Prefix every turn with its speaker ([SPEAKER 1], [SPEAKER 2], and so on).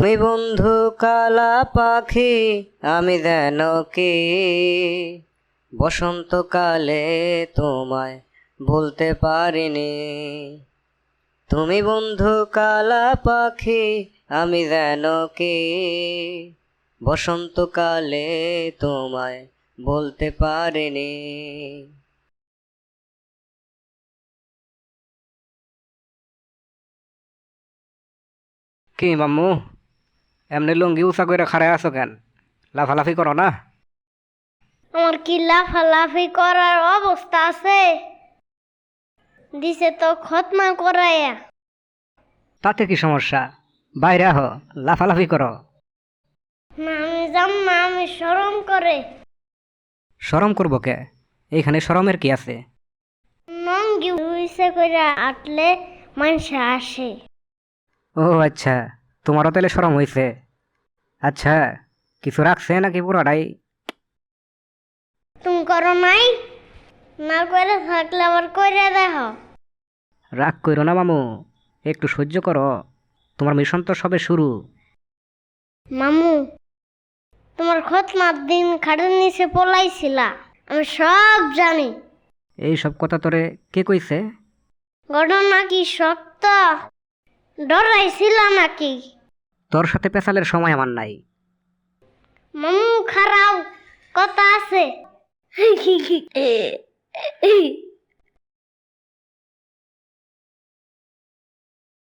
[SPEAKER 1] তুমি বন্ধু কালা পাখি আমি যেন কি বসন্তকালে তোমায় ভুলতে পারিনি। তুমি বন্ধু কালা পাখি আমি যেন কি বসন্তকালে তোমায় বলতে পারিনি।
[SPEAKER 2] কি মাম্মু, এমনি লুঙ্গি উঁচা করে খাড়ায় আছো কেন? লাফালাফি করো না?
[SPEAKER 3] আমার কি লাফালাফি করার অবস্থা আছে? দিছে তো খতমা করাইয়া।
[SPEAKER 2] তাতে কি সমস্যা? বাইরে আহ, লাফালাফি করো।
[SPEAKER 3] না আমি যাম না, আমি শরম করে।
[SPEAKER 2] শরম করবো কে? এইখানে শরমের কি আছে?
[SPEAKER 3] নঙ্গি উইসে কইরা আটলে মানুষে আসে।
[SPEAKER 2] ও আচ্ছা, তোমারও তাহলে শরম হইছে। আচ্ছা, কিছু রাখছে নাকি পুরোটাই?
[SPEAKER 3] তুমি করো নাই? না করে থাকলে আবার কইরা দেখো।
[SPEAKER 2] রাগ কইরো না মামু, একটু সহ্য করো। তোমার মিশন তো সবে শুরু।
[SPEAKER 3] মামু, তোমার খতমার দিন খাটের নিচে পলাইছিলা, আমি সব জানি।
[SPEAKER 2] এই সব কথা তোরে কে কইছে?
[SPEAKER 3] ঘটনা কি সত্য? ডরাইছিল নাকি?
[SPEAKER 2] তোর সাথে পেশালের সময় আমার নাই।
[SPEAKER 3] মামু খারাও কথা আছে।